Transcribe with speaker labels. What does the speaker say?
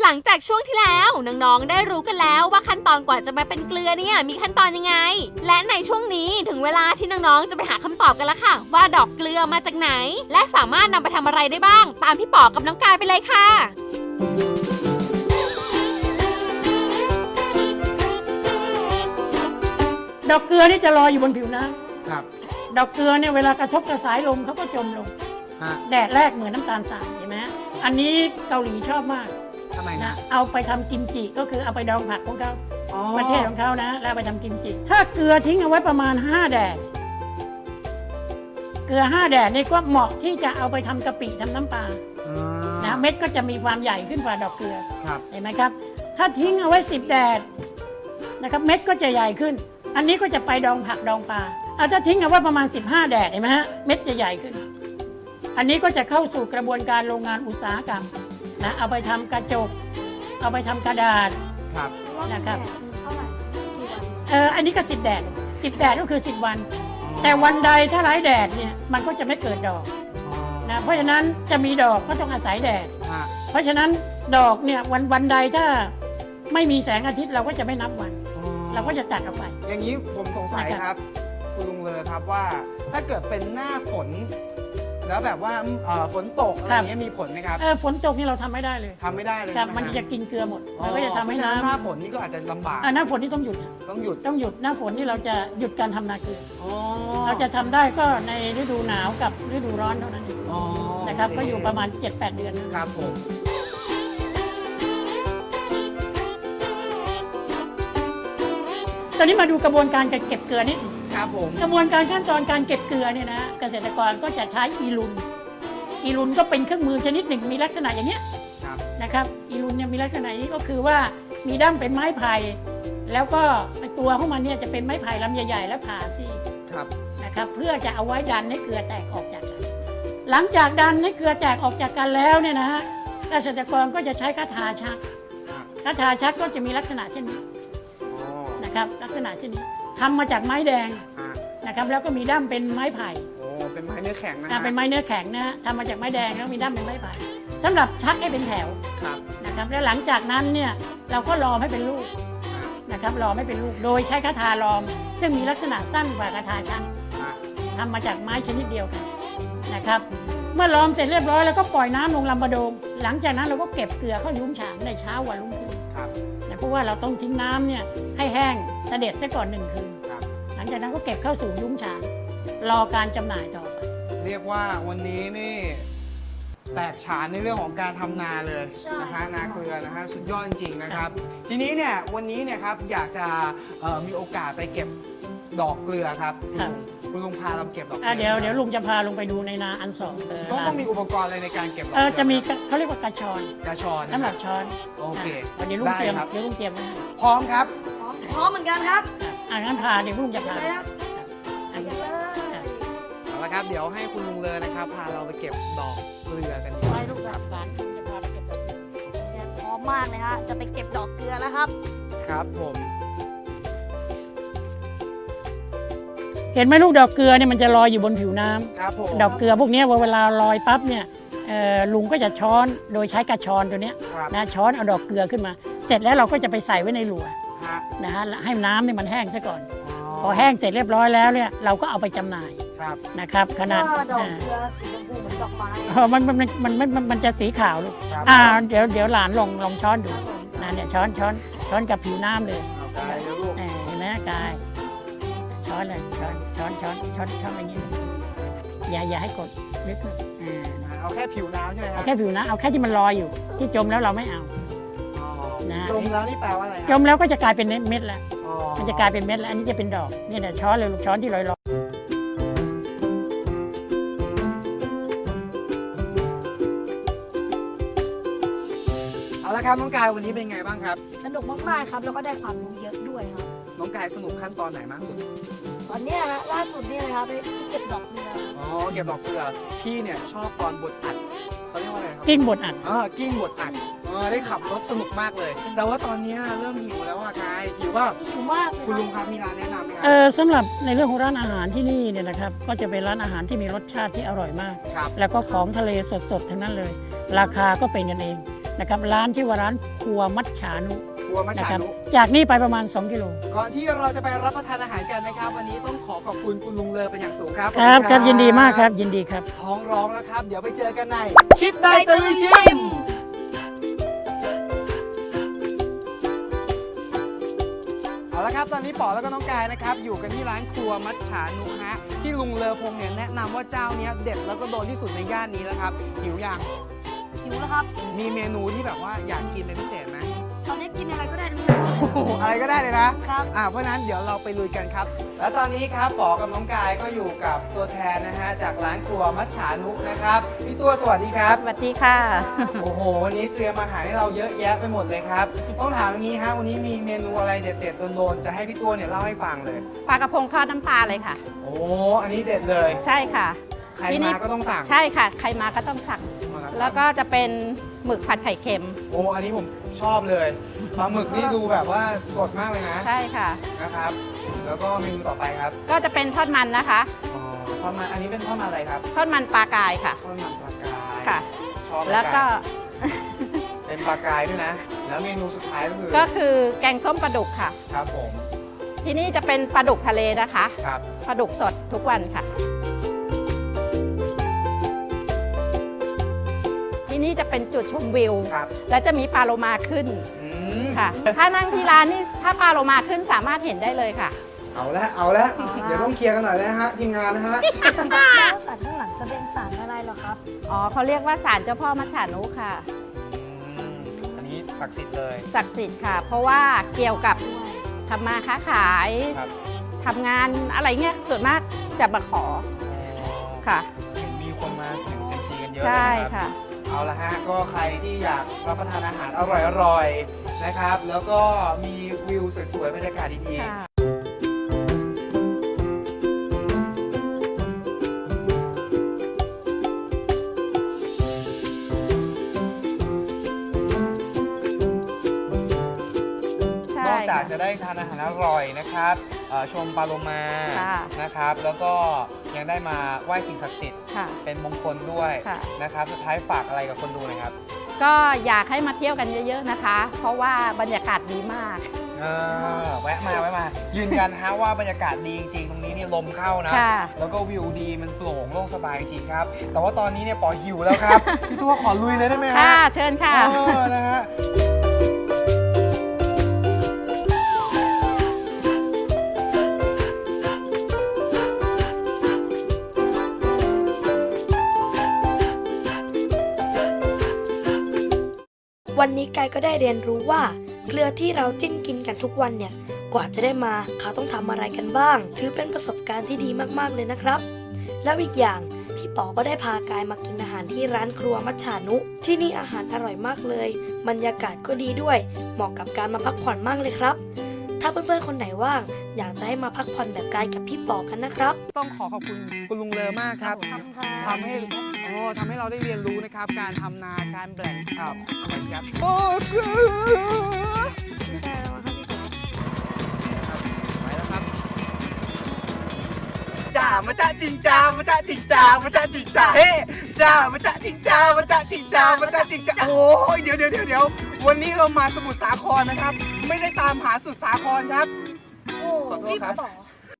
Speaker 1: หลังจากช่วงที่แล้วน้องๆได้รู้กันแล้วว่าขั้นตอนกว่าจะมาเป็นเกลือเนี่ยมีขั้นตอนยังไงและในช่วงนี้ถึงเวลาที่น้องๆจะไปหาคำตอบกันแล้วค่ะว่าดอกเกลือมาจากไหนและสามารถนำไปทำอะไรได้บ้างตามพี่ป๋อกับน้องกายไปเลยค่ะ
Speaker 2: ดอกเกลือนี่จะลอยอยู่บนผิวน้ำครับดอกเกลือเนี่ยเวลากระทบกระสายลมเขาก็จมลงแดดแรกเหมือนน้ำตาลทรายเห็นไหมอันนี้เกาหลีชอบมาก
Speaker 3: ทำไมนะ
Speaker 2: เอาไปทำกิมจิก็คือเอาไปดองผักของเขาประเทศของเขานะแล้วไปทำกิมจิถ้าเกลือทิ้งเอาไว้ประมาณ5 แดดเกลือ5 แดดนี่ก็เหมาะที่จะเอาไปทำกะปิทำน้ำปลานะเม็ดก็จะมีความใหญ่ขึ้นกว่าดอกเกลือเห็นไหมครับถ้าทิ้งเอาไว้10 แดดนะครับเม็ดก็จะใหญ่ขึ้นอันนี้ก็จะไปดองผักดองปลาถ้าทิ้งเอาไว้ประมาณ15 แดดเห็นไหมฮะเม็ดจะใหญ่ขึ้นอันนี้ก็จะเข้าสู่กระบวนการโรงงานอุตสาหกรรมนะเอาไปทำกระจกเอาไปทำกระดาษนะครับอันนี้ก็10 แดด10 แดดก็คือ10 วันแต่วันใดถ้าไร้แดดเนี่ยมันก็จะไม่เกิดดอกนะเพราะฉะนั้นจะมีดอกก็ต้องอาศัยแดดเพราะฉะนั้นดอกเนี่ยวันใดถ้าไม่มีแสงอาทิตย์เราก็จะไม่นับวันเราก็จะตัดออกไป
Speaker 3: อย่างนี้ผมสงสัยครับคุณลุงเลอครับว่าถ้าเกิดเป็นหน้าฝนแล้วแบบว่าฝนตกอะไรอย่างเงี้ยมีผลไหมครับ
Speaker 2: ฝนตกนี่เราทำไม่ได้เลย
Speaker 3: ทำไม่ได้เลย
Speaker 2: มันจะกินเกลือหมดเราก็จะทำให้น้ำ
Speaker 3: หน้าฝนนี่ก็อาจจะลำบาก
Speaker 2: หน้าฝนนี่ต้องหยุดหน้าฝนนี่เราจะหยุดการทำนาเกลือเราจะทำได้ก็ในฤดูหนาวกับฤดูร้อนเท่านั้นเองนะครับก็อยู่ประมาณ 7-8 เดือน
Speaker 3: ครับผม
Speaker 2: ตอนนี้มาดูกระบวนการการเก็บเกลือนิด
Speaker 3: ครับผม
Speaker 2: กระบวนการขั้นตอนการเก็บเกลือเนี่ยนะเกษตรกรก็จะใช้อีลุนก็เป็นเครื่องมือชนิดหนึ่งมีลักษณะอย่างเนี้ยนะครับอีลุนเนี่ยมีลักษณะนี้ก็คือว่ามีด้ามเป็นไม้ไผ่แล้วก็ตัวของมันเนี่ยจะเป็นไม้ไผ่ลำใหญ่ๆและผ่าซี่นะครับเพื่อจะเอาไว้ดันให้เกลือแตกออกจากกันหลังจากดันให้เกลือแตกออกจากกันแล้วเนี่ยนะฮะเกษตรกรก็จะใช้คาถาชักก็จะมีลักษณะเช่นนี้นะครับลักษณะเช่นนี้ทำมาจากไม้แดงนะครับแล้วก็มีด้ามเป็นไม้ไผ่
Speaker 3: เป็นไม้เนื้อแข็งนะ
Speaker 2: เป็นไม้เนื้อแข็งนะทำมาจากไม้แดงแล้วมีด้ามเป็นไม้ไผ่สำหรับชักให้เป็นแถวนะครับแล้วหลังจากนั้นเนี่ยเราก็ล้อมให้เป็นลูกนะครับล้อมให้เป็นลูกโดยใช้คาถาล้อมซึ่งมีลักษณะสั้นกว่าคาถาชักทำมาจากไม้ชนิดเดียวกันนะครับเมื่อล้อมเสร็จเรียบร้อยแล้วก็ปล่อยน้ำลงลำบะโดงหลังจากนั้นเราก็เก็บเกลือเข้ายุ้งฉางในเช้าวันรุ่งขึ้นเพราะว่าเราต้องทิ้งน้ำเนี่ยให้แห้งเสด็จซะก่อน1 คืนหลังจากนั้นก็เก็บเข้าสู่ยุ้งฉางรอการจำหน่ายต่อไป
Speaker 3: เรียกว่าวันนี้นี่แตกฉานในเรื่องของการทำนาเลยนะฮะนาเกลือนะฮะสุดยอดจริงๆนะครับทีนี้เนี่ยวันนี้เนี่ยครับอยากจะมีโอกาสไปเก็บดอกเกลือครับคุณลุงพาเราเก็บดอกเกลือ
Speaker 2: เดี๋ยวลุงจะพาลงไปดูในนาอันสอง
Speaker 3: ต้องมีอุปกรณ์อะไรในการเก็บดอก
Speaker 2: เกลือจะมีเขาเรียกว่ากระชอนสำหรับช้อน
Speaker 3: โอเค
Speaker 2: เดี๋ยวลุงเตรียมไว้
Speaker 3: พร้อมครับ
Speaker 4: พร้อมเหมือนกันครับ
Speaker 2: งั้นพาเดี๋ยวลุงจะพา
Speaker 3: เอาละครับเดี๋ยวให้คุณลุงเลยนะครับพาเราไปเก็บดอกเกลือกันดี
Speaker 2: ไปลูกหลานลุงจะพาไปเก็บดอกเกลือ
Speaker 4: พร้อมมากเลยฮะจะไปเก็บดอกเกลือแล้วครับ
Speaker 3: ครับผม
Speaker 2: เห็นไหมลูกดอกเกลือเนี่ยมันจะลอยอยู่บนผิวน้ำ
Speaker 3: ครับผม
Speaker 2: ดอกเกลือพวกนี้เวลาลอยปั๊บเนี่ยลุงก็จะช้อนโดยใช้กระชอนตัวนี้นะช้อนเอาดอกเกลือขึ้นมาเสร็จแล้วเราก็จะไปใส่ไว้ในหลัวนะฮะให้น้ำเนี่ยมันแห้งซะก่อนพอแห้งเสร็จเรียบร้อยแล้วเนี่ยเราก็เอาไปจำหน่ายนะครับขนาด
Speaker 4: ดอกเกลือสีชมพูเหมือนดอกไม้
Speaker 2: มันจะสีขาวลูกเดี๋ยวหลานลองช้อนดูนะเนี่ยช้อนกับผิวน้ำเลยเห็นไหมกายช้อนเลยช้อนอย่างนี้อย่าให้กดลึก
Speaker 3: เอาแค่ผิวน้ำใช่ไหมครับ
Speaker 2: แค่ผิวน้ำเอาแค่ที่มันลอยอยู่ที่จมแล้วเราไม่เอา
Speaker 3: จมแล้วนี่แปลว่าอะไร
Speaker 2: จมแล้วก็จะกลายเป็นเม็ดแล้วมันจะกลายเป็นเม็ดแล้วอันนี้จะเป็นดอกนี่เนี่ยช้อนเลยลูกช้อนที่ลอย
Speaker 3: เอาละครับน้องกายวันนี้เป็นไงบ้างครับ
Speaker 4: สนุกมากๆครับแล้วก็ได้ความรู้เยอะด้วยครับ
Speaker 3: น้องกายสนุกขั้นตอนไหนมากสุด
Speaker 4: ตอนนี้ฮะล่าสุดนี่เลยครับไปเก็บดอกเกลือ
Speaker 3: เก็บดอกเกลือพี่เนี่ยชอบตอนบดอัดเขาเรียกว่าอะไรครับ
Speaker 2: กิ้งบดอัด
Speaker 3: กิ้งบดอัดได้ขับรถสนุกมากเลยแต่ว่าตอนนี้เริ่มหิวแล้วกายหิวว่า
Speaker 4: หิวมาก
Speaker 3: คุณลุงครับมีร้านแนะนำไหมครับ
Speaker 2: สำหรับในเรื่องของร้านอาหารที่นี่เนี่ยนะครับก็จะเป็นร้านอาหารที่มีรสชาติที่อร่อยมากแล้วก็ของทะเลสดๆทั้งนั้นเลยราคาก็เป็นกันเองนะครับร้านที่ว่าร้านครัวมัจฉานุ
Speaker 3: ครัวมัจ
Speaker 2: นะ
Speaker 3: ฉา
Speaker 2: ครับ
Speaker 3: นุ
Speaker 2: จากนี้ไปประมาณ 2 กิโล
Speaker 3: ก่อนที่เราจะไปรับประทานอาหารกันนะครับ วันนี้ต้องขอขอบคุณคุณลุงเลอเป็นอย่างสูงครับ
Speaker 2: ครับ
Speaker 3: ขอณ
Speaker 2: ครับยินดีมากครับยินดีครับ
Speaker 3: ท้องร้องแล้วครับ เดี๋ยวไปเจอกันในคิดได้ตะลุยชิมเอาละครับตอนนี้ป๋อแล้วก็น้องกายนะครับอยู่กันที่ร้านครัวมัจฉานุฮะที่ลุงเลอพงเนี่ยแนะนำว่าเจ้าเนี้ยเด็ดแล้วก็โดนที่สุดในย่านนี้แล้วครับหิวยัง
Speaker 4: หิวแล้วครับ
Speaker 3: มีเมนูที่แบบว่าอยากกินเป็นพิเศษไหม
Speaker 4: ตอนนี้กินอะไรก็ได้ทุกอย่าง
Speaker 3: โอ้โหอะไรก็ได้เลยนะครับ เพราะฉะนั้นเดี๋ยวเราไปลุยกันครับ แล้วตอนนี้ครับป๋อกับน้องกายก็อยู่กับตัวแทนนะฮะจากร้านครัวมัจฉานุนะครับพี่ตัวสวัสดีครับ
Speaker 5: สวัสดีค่ะ
Speaker 3: โอ้โหวันนี้เตรียมอาหารให้เราเยอะแยะไปหมดเลยครับ ต้องถามอย่างนี้ฮะวันนี้มีเมนูอะไรเด็ดๆโดนๆจะให้พี่ตัวเนี่ยเล่าให้ฟังเลย
Speaker 5: ปลากระพงทอดน้ำปลาเลยค่ะ
Speaker 3: โอ้อันนี้เด็ดเลย
Speaker 5: ใช่ค่ะ
Speaker 3: ใคร
Speaker 5: ที่นี่
Speaker 3: มาก็ต้องสั่ง
Speaker 5: ใช่ค่ะ ใครมาก็ต้องสั่ง แล้วก็จะเป็นหมึกผัดไข่เค็ม
Speaker 3: โอ้อันนี้ผมชอบเลยปลาหมึกนี่ดูแบบว่าสดมากเลยนะ
Speaker 5: ใช่ค่ะ
Speaker 3: นะครับ แล้วก็เมนูต่อไปครับ
Speaker 5: ก็จะเป็นทอดมันนะคะ
Speaker 3: อ๋อทอดมันอันนี้เป็นทอดมันอะไรครับ
Speaker 5: ทอดมันปลากายค่ะ
Speaker 3: ทอดมันปลากาย
Speaker 5: ค่ะ
Speaker 3: ชอบ
Speaker 5: แล้วก็
Speaker 3: เป็นปลากายด้วยนะ แล้วเมนูสุดท้ายก็คือ
Speaker 5: ก็คือแกงส้มปลาดุกค่ะ
Speaker 3: ครับผม
Speaker 5: ที่นี่จะเป็นปลาดุกทะเลนะคะ
Speaker 3: ครับ
Speaker 5: ปลาดุกสดทุกวันค่ะ ที่นี่จะเป็นจุดชมวิว
Speaker 3: ครับ
Speaker 5: และจะมีปลาโลมาขึ้น
Speaker 3: อืม
Speaker 5: ค่ะ ถ้านั่งที่ร้านนี่ถ้าปลาโลมาขึ้นสามารถเห็นได้เลยค่ะ
Speaker 3: เอาละเดี๋ยวต้องเคลียร์กันหน่อยนะฮะทีมงานนะฮะ
Speaker 4: แล้วสารข้างหลังจะเป็นสารอะไรเหรอครับ
Speaker 5: อ๋อเขาเรียกว่าศาลเจ้าพ่อมัจฉานุค่ะ
Speaker 3: อันนี้ศักดิ์สิทธิ์เลย
Speaker 5: ศักดิ์สิทธิ์ค่ะ เพราะว่าเกี่ยวกับทำมาค้าขาย
Speaker 3: ครับ
Speaker 5: ทำงานอะไรเงี้ยส่วนมากจะมาขอค่ะ
Speaker 3: มีคนมาเสี่ยงเซียมซีกันเยอะ
Speaker 5: ใช่
Speaker 3: เลยนะครับ
Speaker 5: ค่ะ
Speaker 3: เอาละฮะก็ใครที่อยากรับประทานอาหารอร่อยๆนะครับ แล้วก็มีวิวสวยๆบรรยากาศดีๆ
Speaker 5: ค่ะ ใช่
Speaker 3: นอกจาก
Speaker 5: ค่ะ
Speaker 3: จะได้ทานอาหารอร่อยนะครับชมปลาโลมา
Speaker 5: ค่ะ
Speaker 3: นะครับ แล้วก็ยังได้มาไหว้สิ่งศักดิ์สิทธิ์
Speaker 5: ค่ะ
Speaker 3: เป็นมงคลด้วย
Speaker 5: ค่ะ
Speaker 3: นะครับ สุดท้ายฝากอะไรกับคนดูหน่อยครับ
Speaker 5: ก็อยากให้มาเที่ยวกันเยอะๆนะคะ เพราะว่าบรรยากาศดีมาก
Speaker 3: แวะมา ยืนยันฮะว่าบรรยากาศดีจริงๆ ตรงนี้นี่ลมเข้านะ
Speaker 5: ค่ะ
Speaker 3: แล้วก็วิวดีมันโปร่งโล่งสบายจริงครับ แต่ว่าตอนนี้เนี่ยปอหิวแล้วครับ พี่ตัวขอลุยเลยได้ไหมฮะ
Speaker 5: ค่ะ เชิญค่ะ
Speaker 3: นะฮะ
Speaker 6: วันนี้กายก็ได้เรียนรู้ว่าเกลือที่เราจิ้มกินกันทุกวันเนี่ยกว่าจะได้มาเขาต้องทำอะไรกันบ้าง ถือเป็นประสบการณ์ที่ดีมากๆเลยนะครับ แล้วอีกอย่างพี่ป๋อก็ได้พากายมากินอาหารที่ร้านครัวมัจฉานุ ที่นี่อาหารอร่อยมากเลยบรรยากาศก็ดีด้วย เหมาะกับการมาพักผ่อนมากเลยครับ ถ้าเพื่อนๆคนไหนว่างอยากจะให้มาพักผ่อนแบบกายกับพี่ป๋อกันนะครับ
Speaker 3: ต้องขอบคุณคุณลุงเลอมากครับ ทำให้เราได้เรียนรู้นะครับ การทำนา การแบ่งอะไรครับโอ้เกลือไปแล้วครับจ่ามาจ่าจิงจ่ามาจ่าจิงจ่ามาจ่าจิงจ่าเฮ้จ่ามาจ่าจิงจ่ามาจ่าจิงจ่ามาจ่าจิงจ่าโอ้ยเดี๋ยววันนี้เรามาสมุทรสาครนะครับ ไม่ได้ตามหาสุดสาครครับ
Speaker 4: โอ้
Speaker 3: ขอโทษ
Speaker 4: พี่
Speaker 3: ครับ
Speaker 4: ป๋อ